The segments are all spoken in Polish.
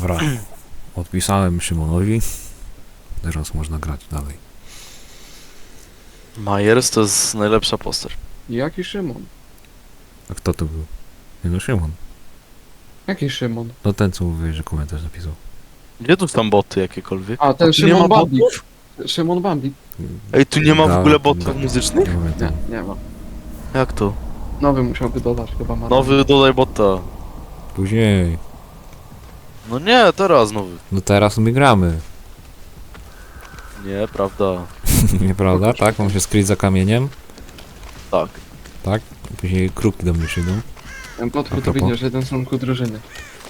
Dobra. Odpisałem Szymonowi. Teraz można grać dalej. Myers to jest najlepsza postać. Jaki Szymon? A kto to był? Nie no, Szymon. Jaki Szymon? No ten, co mówiłeś, że komentarz napisał. Gdzie tu są boty jakiekolwiek? A, ten tu nie ma Szymon Bandit. botów? Szymon Bandit. Ej, tu nie ma w Da- ogóle da- botów muzycznych? Nie ma. Jak to? Nowy musiałby dodać chyba ma. Nowy dodaj bota. Później. No nie, teraz nowy. No teraz my gramy. Nie, prawda. Nieprawda? Tak? Mam się skryć za kamieniem. Tak. Tak? Później kruki do mnie przyjdą. Ten Płotku A to propos? widzisz, jeden z członków drużyny.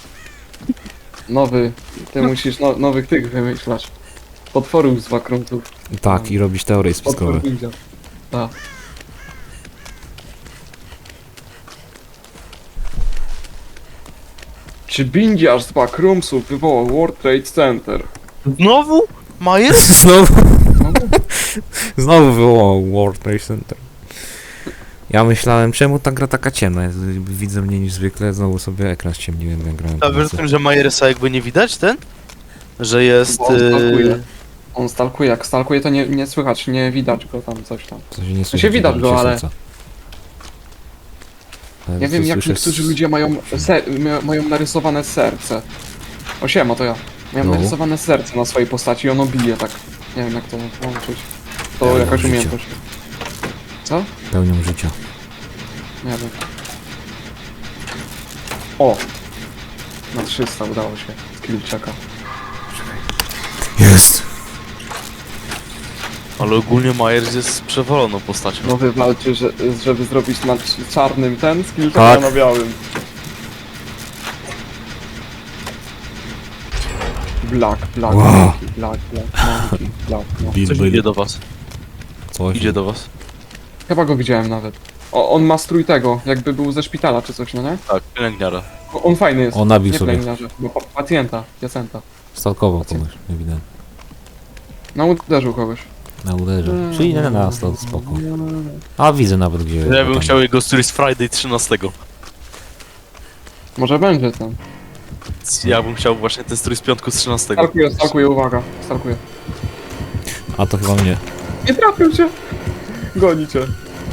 Nowy. Ty musisz nowych tych wymyślać. Potworów z wakruntów. Tak, i robić teorie spiskowe. Potwór widział. Tak. Czy bindziarz z backroomsów wywołał World Trade Center? Znowu? Myers? Znowu, No, znowu wywołał World Trade Center. Ja myślałem, czemu ta gra taka ciemna jest? Widzę mniej niż zwykle, znowu sobie ekran ściemniłem, jak grałem. A wiesz o tym, że Myersa jakby nie widać ten? Że jest... Bo on stalkuje. On stalkuje, jak stalkuje to nie słychać, nie widać go tam, coś tam. Co się nie słyszy, się widać go, się ale- serca. Nie wiem, jak słyszę niektórzy ludzie mają narysowane serce. O siema, to ja. Miałem No. narysowane serce na swojej postaci i ono bije tak. Nie wiem, jak to włączyć. To Ja jakaś mam umiejętność. Co? Pełnią życia. Nie wiem. O! Na 300 udało się. Skill checka. Jest! Ale ogólnie Myers jest przewaloną postacią. No wy walczy, żeby zrobić na czarnym ten skill checka Tak. na białym. Black, Wow. monkey, black, monkey, monkey. Coś idzie do was. Coś Idzie do was. Chyba go widziałem nawet. On ma strój tego, jakby był ze szpitala czy coś, no nie? Tak, pielęgniara. On fajny jest. On nabił Nie sobie. pielęgniarze, bo pacjenta. Stalkował kogoś, ewidentnie. No uderzył kogoś. Na uderze. Czyli nie na nas, to spoko. A widzę nawet gdzie... Ja bym tam- chciał jego strój z Friday 13. Może będzie tam. Ja bym chciał właśnie ten strój z piątku z 13. Stalkuje, uwaga. Stalkuje. A to chyba mnie. Nie trafił cię! Goni cię.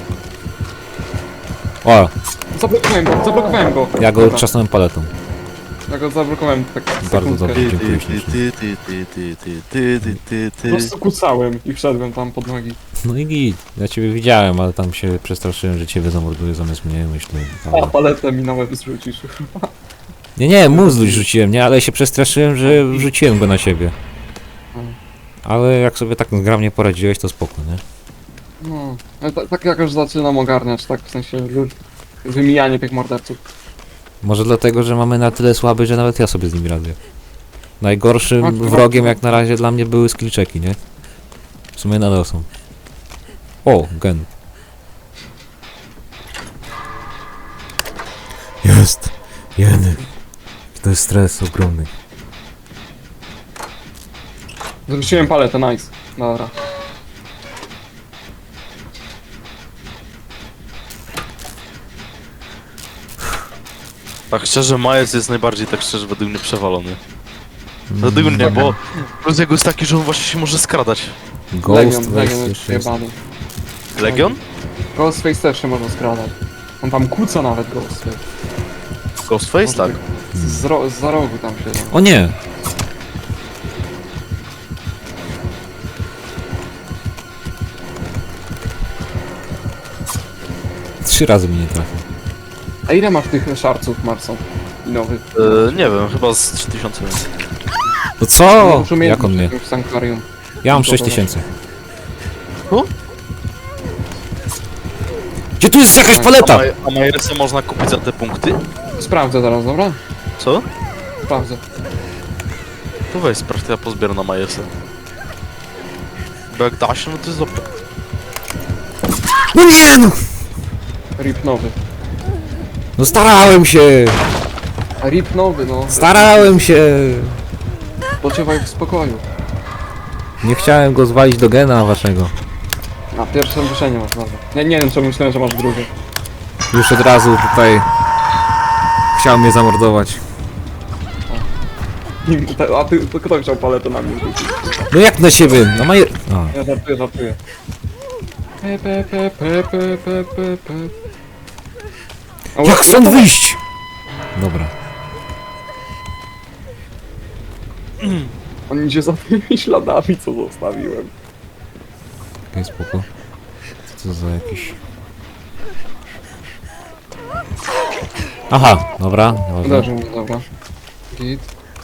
O! Zablokowałem go. Ja go Dobra, trzasnąłem paletą. Ja go zablokowałem tak Bardzo sekundkę. dobrze. Dziękuję ślicznie. Po prostu kucałem i wszedłem tam pod nogi. No i git. Ja ciebie widziałem, ale tam się przestraszyłem, że ciebie zamorduję zamiast mnie, myślę. A Ale... paletę mi na łeb zrzucisz. Nie, mózg rzuciłem, nie? Ale się przestraszyłem, że wrzuciłem go na siebie. Ale jak sobie tak zgrabnie poradziłeś, to spoko, nie? No, ja tak jakoś zaczynam ogarniać, tak w sensie wymijanie tych morderców. Może dlatego, że mamy na tyle słaby, że nawet ja sobie z nimi radzę. Najgorszym Tak, wrogiem jak na razie dla mnie były skillczeki, nie? W sumie nadal są. O, gen. Jest! Jeny. To jest stres ogromny. Zrzuciłem paletę, nice. Dobra. Tak szczerze, Myers jest najbardziej tak szczerze według mnie przewalony. Według mnie, bo plus jego jest taki, że on właśnie się może skradać. Ghost Legion jest jest jeszcze jest. jebany. Legion? Ghostface też się może skradać. On tam kłóca nawet Ghostface. Ghostface? Tak. Za rogu tam siedzą. O nie! Trzy razy mi nie trafił. A ile masz tych szarców, Marson? I nowych? Nie wiem, chyba z 3000 więcej. No co? Muszę mieć Jak on mnie? jakimś sanktuarium. Ja mam 6000. Tu? Gdzie tu jest jakaś paleta? A Myersa można kupić za te punkty? Sprawdzę zaraz, dobra? Co? Sprawdzę. To weź sprawdź, to ja pozbieram na Myersa. Bo jak da się, no to jest dobre. No nie no! Rip nowy. No starałem się! A rip nowy, no. Starałem się! Poczywaj w spokoju. Nie chciałem go zwalić do gena waszego. Na pierwsze ruszenie masz, dobra. Nie wiem, czemu myślałem, że masz drugie. Już od razu tutaj chciał mnie zamordować. A ty, to kto chciał paletę na mnie rzucić? No jak na siebie? No ma je... A, Ja żartuję. Pe. jak stąd wyjść? Dobra. On idzie za tymi śladami, co zostawiłem. Okej, spoko. Co to za jakiś... Aha, dobra. Dobra. Uderzył mnie, dobra. Git.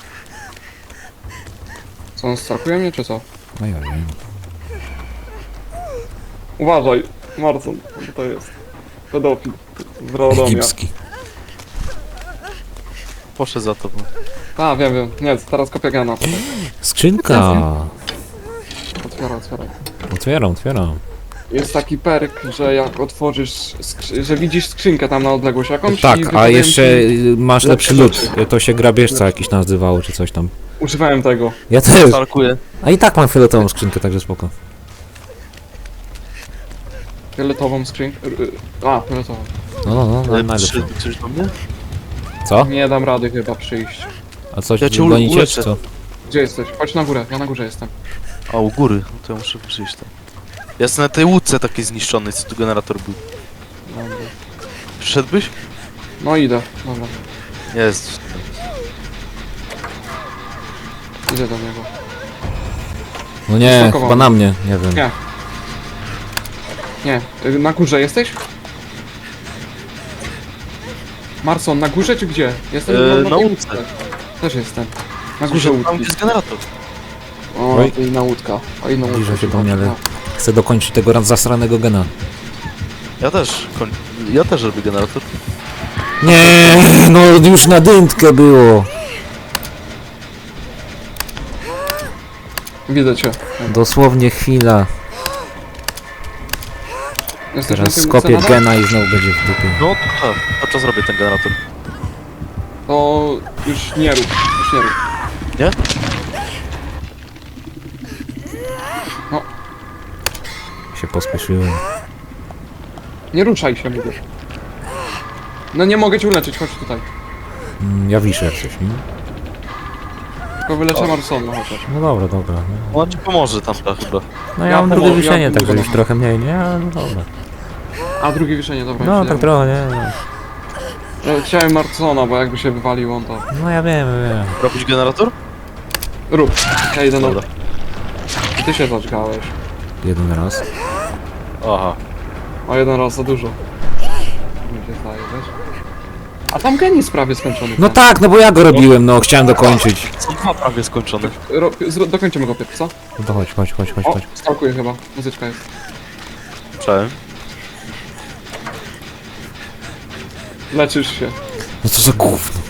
Co, on stalkuje mnie, czy co? No ja wiem. Uważaj, Marcon, co to jest? Pedofil. Z Radomia. Egipski. Poszedł za tobą. A, wiem. Nie, teraz kopię gena. Skrzynka! Otwieraj. Otwieram. Jest taki perk, że jak otworzysz, że widzisz skrzynkę tam na odległość jakąś Tak, i a wypadają jeszcze ci- masz lepszy lepsze lód. To się grabieżca jakiś nazywało, czy coś tam. Używałem tego. Ja też. Starkuję. A i tak mam fioletową skrzynkę, także spoko. Fioletową skrzynkę. Fioletową. No, najlepsze. Przyszedł coś do mnie? Co? Nie dam rady chyba przyjść. A coś Ja cię gonicie, uleczę. czy co? Gdzie jesteś? Chodź na górę, ja na górze jestem. A, u góry. No to ja muszę przyjść tam. Ja jestem na tej łódce takiej zniszczonej, co tu generator był. Dobra. Przyszedłbyś? No idę, dobra. Jest. Idę do niego. No nie, Smakowało. chyba na mnie, nie wiem. Nie. Nie, na górze jesteś? Marson, na górze czy gdzie? Jestem Na tej łódce. Też jestem. Na górze Przyszedł tam, łódki. gdzie jest generator. O, Oj. to inna łódka. O, inną łódkę. Zbliża się do mnie, ale No. chcę dokończyć tego zasranego gena. Ja też robię generator. Nie, no już na dyntkę było. Widzę cię. Dosłownie chwila. Jesteś Teraz na tej skopię łódce nadal? gena i znowu będzie w dupie. No to tak. To czas robię ten generator. To już nie rób. Nie? Się pospieszyłem. Nie ruszaj się, mówię. No nie mogę cię uleczyć, chodź tutaj. Ja wiszę jak coś, nie? Tylko wyleczę Marsona chociaż. No dobra. No, On ci pomoże tam chyba. no Ja ja mam drugie pomogę, wiszenie, ja także pomogę. już trochę mniej, nie? Ale no dobra. A drugie wiszenie, dobra. No już tak idziemy. trochę, nie? No. Ja chciałem Marsona, bo jakby się wywalił on to... No ja wiem. Robić generator? Rób. Ja idę na... Dobra. I ty się zaczkałeś. Jeden raz. Aha. O, jeden raz za dużo. Mi się zdaje, wiesz? A tam gen jest prawie skończony. No tak, no bo ja go robiłem, no chciałem dokończyć. Są dwa prawie skończone. Dokończymy go pierwszy, co? No to chodź. O, stalkuję chyba. Muzyczka jest. Cześć. Leczysz się. No co za gówno.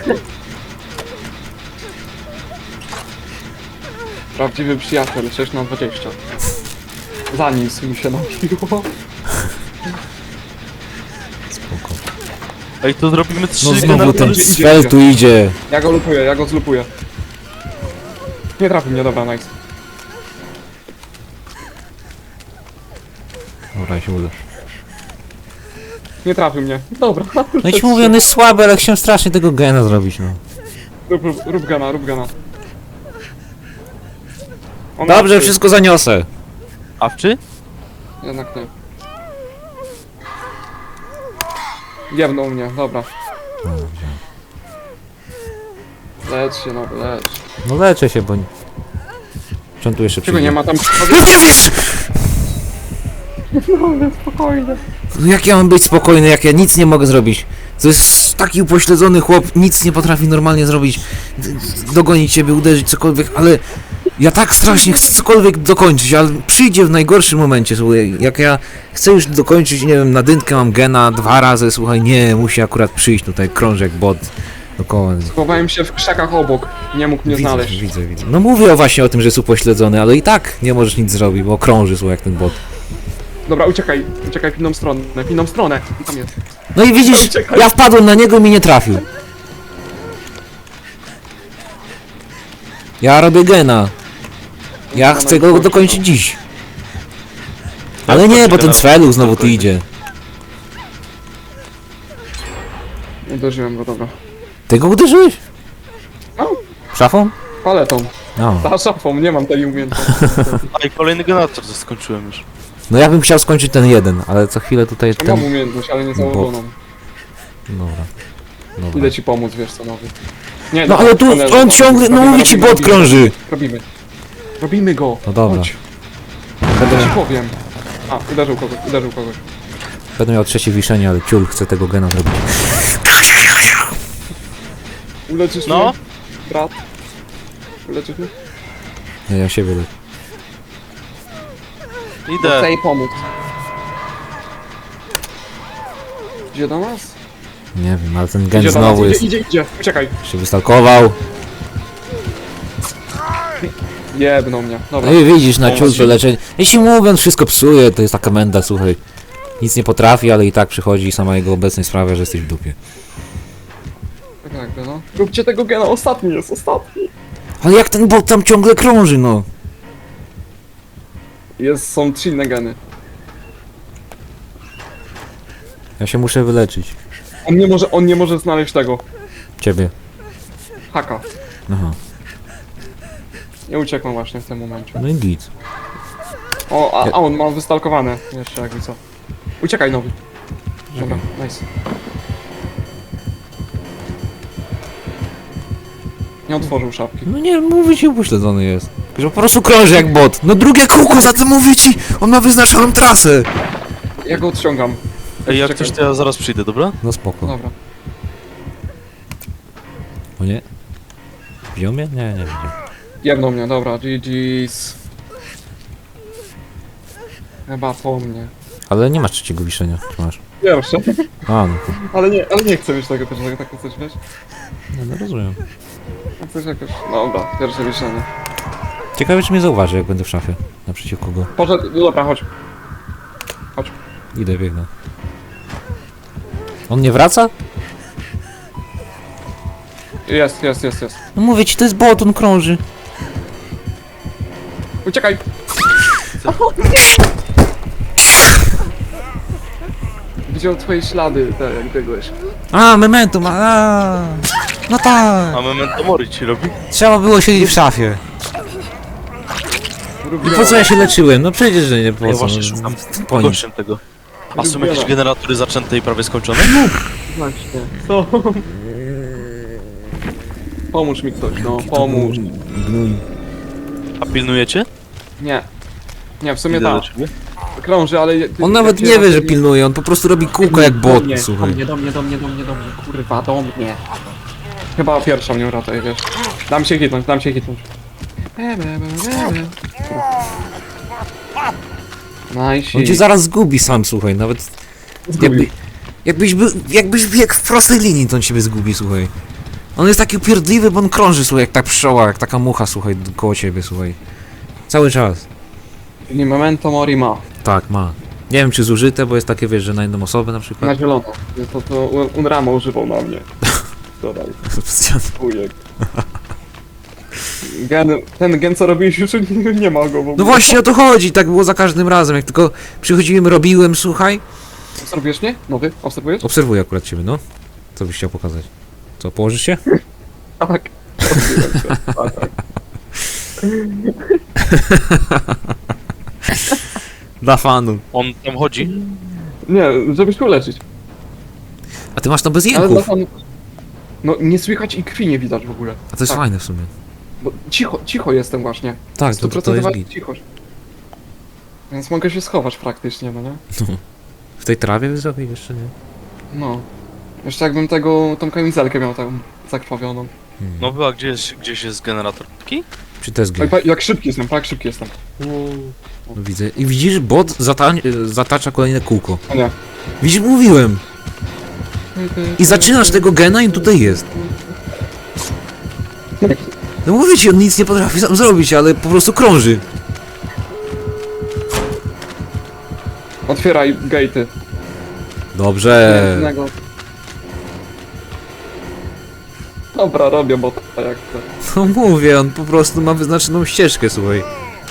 Prawdziwy przyjaciel, 6 na 20. Zanísł mi się napiło. Spoko. Ej, to zrobimy 3 No znowu generatory. ten idzie, spell tu idzie. Ja go lupuję, ja go zlupuję. Nie trafi mnie, dobra, nice. Dobra, się uda. Nie trafił mnie. Dobra. No i ci mówię, on jest słaby, ale chciałem strasznie tego gena zrobić, no. Rób gana. On Dobrze, ma- wszystko zaniosę. Awczy? Jednak nie. Jebnął mnie, dobra. Lecz się, no, lecz. No leczę się, bo... Czemu tu jeszcze Czego przyjdzie? nie ma tam... No nie wiesz! No, spokojnie. No jak ja mam być spokojny, jak ja nic nie mogę zrobić? To jest taki upośledzony chłop, nic nie potrafi normalnie zrobić. Dogonić ciebie, uderzyć, cokolwiek, ale... Ja tak strasznie chcę cokolwiek dokończyć, ale przyjdzie w najgorszym momencie, słuchaj. Jak ja chcę już dokończyć, nie wiem, na dynkę mam gena 2 razy, słuchaj, nie, musi akurat przyjść tutaj krążek bot dookoła. Schowałem się w krzakach obok. Nie mógł mnie znaleźć. Widzę. No mówię właśnie o tym, że jest upośledzony, ale i tak nie możesz nic zrobić, bo krąży, słuchaj, jak ten bot. Dobra, uciekaj w inną stronę. Tam jest. No i widzisz, Uciekaj. ja wpadłem na niego i mi nie trafił. Ja robię gena. Ja chcę go dokończyć dziś. Ale nie, bo ten Cwelu znowu tu idzie. Uderzyłem go, dobra. Ty go uderzyłeś? No. Szafą? Paletą. No. Za szafą, nie mam tej umiejętności. A i kolejny generator, to skończyłem już. No ja bym chciał skończyć ten jeden, ale co chwilę tutaj Ja mam ten... umiejętność, ale nie założoną. Dobra. Dobra. Idę ci pomóc, wiesz co, nowy. Nie, No ale tu on ciągle, no mówię ci, bot krąży. Robimy. Robimy go. No dobra. Chodź. Ja ci powiem. A, uderzył kogoś, uderzył kogoś. Będę miał trzecie wiszenie, ale ciul chce tego gena zrobić. Uleczysz No. mnie? Brat? Uleczysz mnie? Nie, ja siebie le... Idę. Chcę jej pomóc. Idzie do nas? Nie wiem, ale ten gen Idzie do nas, znowu jest... idzie. Uciekaj. się wystalkował. Jebną mnie. Dobra. No i widzisz, na ciul to Pomóż. leczenie. Jeśli mówię, on wszystko psuje, to jest taka menda, słuchaj. Nic nie potrafi, ale i tak przychodzi i sama jego obecność sprawia, że jesteś w dupie. Tak jakby, no. Róbcie tego gena, ostatni jest, ostatni. Ale jak ten bot tam ciągle krąży, no. Są 3 inne geny. Ja się muszę wyleczyć. On nie może znaleźć tego. Ciebie. Haka. Aha. Nie uciekłem właśnie w tym momencie. No i git. O, a on ma wystalkowane. Jeszcze jakby co. Uciekaj nowy. Dobra, nice. Nie otworzył szafki. No nie, mówię ci, upośledzony jest. Że po prostu krąży jak bot. No drugie kółko, za co mówię ci? On ma wyznaczoną trasę. Ja go odciągam. Ej, jak Czekaj. coś, to ja zaraz przyjdę, dobra? No spoko. Dobra. O nie? Wziął mnie? Nie, nie widział. Jebną mnie, dobra, GG's. Chyba po mnie. Ale nie masz trzeciego wiszenia. Czy masz? Pierwsze. A, no to... Ale nie chcę mieć tego pierwszego, tak chcesz, wiesz? No rozumiem. Chcesz jakoś... Dobra, pierwsze wieszenie. Ciekawe, czy mnie zauważy, jak będę w szafie. Naprzeciwko go. Poszedł, dobra, chodź. Idę, biegnę. On nie wraca? Jest. No mówię ci, to jest bot, on krąży. Uciekaj! Widział twoje ślady, tak jak biegłeś. A, memento ma, no tak. A memento mori ci robi? Trzeba było siedzieć w szafie. I po co ja się leczyłem? No przecież, że nie po Ja co. właśnie no, szukam po nic. gościem tego. A są jakieś generatory zaczęte i prawie skończone? Właśnie. Co? Pomóż mi ktoś, no, pomóż. Gnój. A pilnujecie? Nie. Nie, w sumie Idę do tak. ciebie. Krąży, ale... On nawet nie wie, że pilnuje, on po prostu robi kółko jak bot, słuchaj. Do mnie, kurwa, do mnie. Chyba pierwsza mnie uratuje, wiesz. Dam się hitnąć. Nice. On cię zaraz zgubi sam, słuchaj, nawet jakbyś biegł w prostej linii, to on ciebie zgubi, słuchaj. On jest taki upierdliwy, bo on krąży, słuchaj, jak ta pszczoła, jak taka mucha, słuchaj, koło ciebie, słuchaj. Cały czas. Czyli memento mori ma. Tak, ma. Nie wiem, czy zużyte, bo jest takie, wiesz, że na jedną osobę na przykład. Na zielono. To Unrama używał na mnie. Dodaj. Ujek. Ten gen co robiłeś już nie ma go w ogóle. No właśnie o to chodzi, tak było za każdym razem, jak tylko przychodziłem, robiłem, słuchaj. Obserwujesz mnie? Nowy? Obserwujesz? Obserwuję akurat ciebie, no. Co byś chciał pokazać? Co, położysz się? Tak. Dla fanu. On tam chodzi? Nie, żebyś go leczyć. A ty masz to bez Ale dla jęków. fanu... No nie słychać i krwi nie widać w ogóle. A to jest tak. fajne w sumie. Bo cicho jestem właśnie. Tak, to jest Stuprocentowa git. cichość. Więc mogę się schować praktycznie, no nie? W tej trawie wysokiej jeszcze nie? No. Jeszcze jakbym tą kamizelkę miał tam zakrwawioną. No była gdzieś jest generator taki? Czy to jest Oj, gry? jak szybki jestem, jak szybki jestem. No, widzę. I widzisz, bot zatacza kolejne kółko. O nie. Widzisz, mówiłem. I zaczynasz tego gena i tutaj jest. No mówię ci, on nic nie potrafi sam zrobić, ale po prostu krąży. Otwieraj gate'y. Dobrze. Jednego. Dobra, robię bota jak chcę. No mówię, on po prostu ma wyznaczoną ścieżkę, słuchaj.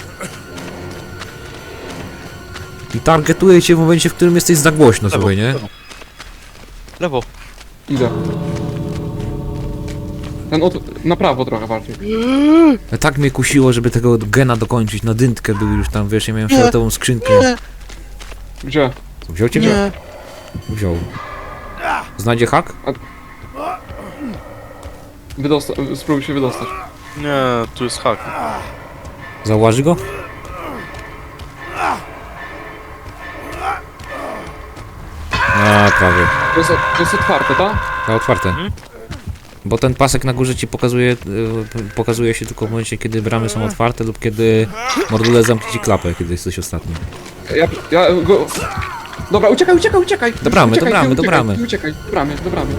I targetuje cię w momencie, w którym jesteś za głośno, słuchaj, nie? Lewo. Idę. Ten na prawo trochę bardziej. Tak mnie kusiło, żeby tego gena dokończyć, na dyntkę był już tam, wiesz, ja miałem fioletową skrzynkę. Gdzie? Wziął cię? Nie. Wziął. Znajdzie hak? Spróbuj się wydostać. Nie, tu jest hak. Zauważy go? A, prawie. To jest otwarte, tak? To otwarte. Mhm. Bo ten pasek na górze ci pokazuje, pokazuje się tylko w momencie, kiedy bramy są otwarte lub kiedy mordule zamknie ci klapę, kiedy jesteś ostatni. Ja go... Dobra, uciekaj! Do bramy, Uciekaj, do bramy, nie do uciekaj, bramy. nie Uciekaj, do bramy.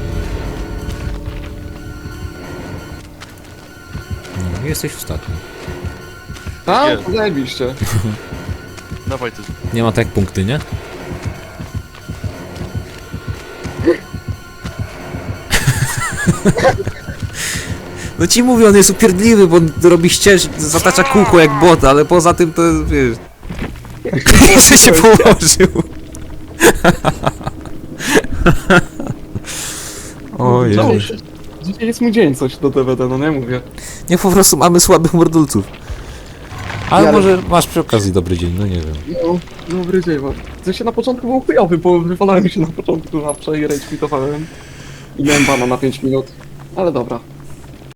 No, jesteś ostatni. Tak? Nie. Zajebiście. Dawaj ty. Nie ma tak jak punkty, nie? No ci mówię, on jest upierdliwy, bo on robi zatacza kółko jak bot, ale poza tym to wiesz... Jeszcze się położył. Oj, Czemu? Dzisiaj jest mój dzień coś do DVD, no nie mówię. nie, po prostu mamy słabych mordulców. Ale Ja- może masz przy okazji dobry dzień, no nie wiem. No, dobry dzień, bo w sensie na początku był chujowy, bo wywalałem się na początku zawsze i rage quitowałem. I miałem bana na 5 minut. Ale dobra.